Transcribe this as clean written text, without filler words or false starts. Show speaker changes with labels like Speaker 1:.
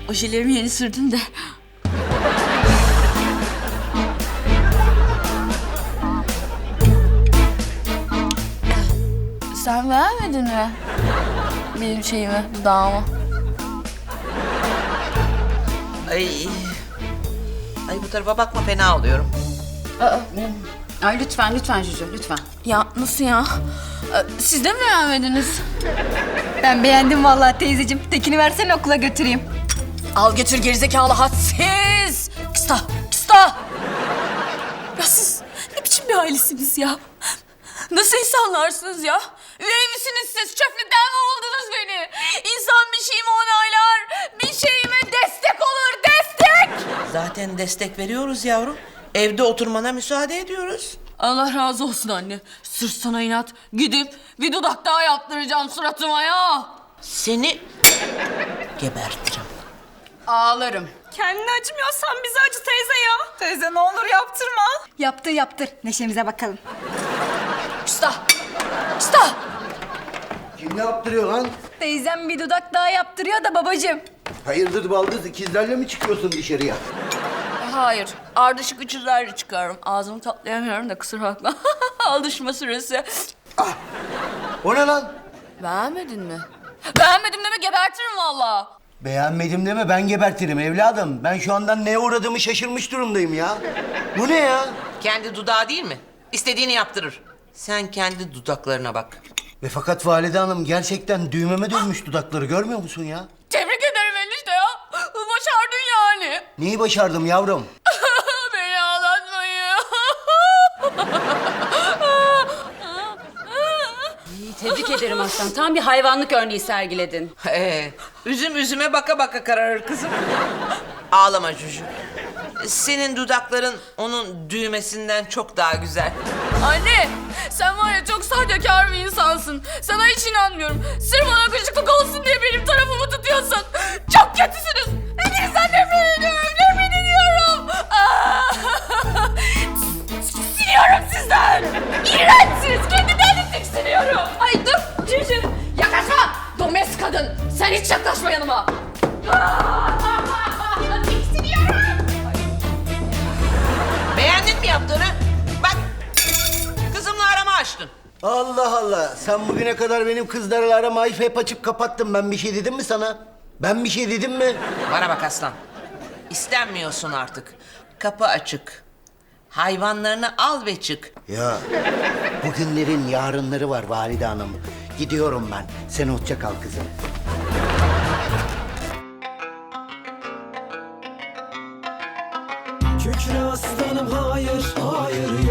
Speaker 1: Ojelerimi yeni sürdüm de. Sen beğenmedin mi? Benim şeyimi, dudağımı.
Speaker 2: Ay. Ay bu tarafa bakma, fena oluyorum.
Speaker 3: Ay lütfen Cücü lütfen.
Speaker 1: Ya nasıl ya? Siz de mi beğenmediniz?
Speaker 4: Ben beğendim vallahi teyzeciğim. Tekin'i versene okula götüreyim.
Speaker 1: Al götür gerizekalı hadsiz. Kısta, kısta. Ya siz ne biçim bir ailesiniz ya? Nasıl insanlarsınız ya? Üvey misiniz siz? Çöplükten mi buldunuz beni? İnsan bir şeyimi onaylar, bir şeyime destek olur, destek!
Speaker 2: Zaten destek veriyoruz yavrum. Evde oturmana müsaade ediyoruz.
Speaker 1: Allah razı olsun anne. Sırf sana inat gidip bir dudak daha yaptıracağım suratıma ya.
Speaker 2: Seni gebertirim.
Speaker 3: Ağlarım.
Speaker 4: Kendini acımıyorsan bizi acı teyze ya. Teyze ne olur yaptırma. Yaptır. Neşemize bakalım.
Speaker 1: Kısta, kısta.
Speaker 5: Kim ne yaptırıyor lan?
Speaker 4: Teyzem bir dudak daha yaptırıyor da babacığım.
Speaker 5: Hayırdır baldız, ikizlerle mi çıkıyorsun dışarıya?
Speaker 1: Hayır, ardışık üçüzlerle çıkıyorum. Ağzımı tatlayamıyorum da kusura bakma. Alışma süresi.
Speaker 5: O ne lan?
Speaker 1: Beğenmedin mi? Beğenmedim deme gebertirim valla.
Speaker 5: Beğenmedim deme, ben gebertirim evladım. Ben şu andan neye uğradığımı şaşırmış durumdayım ya. Bu ne ya?
Speaker 2: Kendi dudağı değil mi? İstediğini yaptırır. Sen kendi dudaklarına bak.
Speaker 5: Ve fakat valide hanım gerçekten düğmeme dönmüş dudakları, görmüyor musun ya?
Speaker 1: Tebrik ederim enişte ya. Başardın yani.
Speaker 5: Neyi başardım yavrum?
Speaker 1: Beni ağlatmayın.
Speaker 3: Tebrik ederim aslan. Tam bir hayvanlık örneği sergiledin.
Speaker 2: Üzüm üzüme baka baka kararır kızım. Ağlama Cücü. Senin dudakların onun düğmesinden çok daha güzel.
Speaker 1: Anne, sen var ya çok sahtekar bir insansın. Sana hiç inanmıyorum. Sırf bana gıcıklık olsun diye benim tarafımı tutuyorsun. Çok kötüsünüz. Hepinizden nefret ediyorum, nefret ediyorum. Tiksiniyorum sizden. İğrençsiniz. Kendimden de tiksiniyorum. Ay dur, Cücü. Yaklaşma. Domestik kadın. Sen hiç yaklaşma yanıma. Tiksiniyorum.
Speaker 2: Beğendin mi yaptığını? Bak, kızımla arama açtın.
Speaker 5: Allah Allah, sen bugüne kadar benim kızlarla aramayı hep açıp kapattın. Ben bir şey dedim mi sana? Ben bir şey dedim mi?
Speaker 2: Bana bak aslan. İstenmiyorsun artık. Kapı açık. Hayvanlarını al ve çık.
Speaker 5: Ya, bugünlerin yarınları var valide hanım. Gidiyorum ben. Sen hoşça kal kızım.
Speaker 6: Kükre aslanım hayır, hayır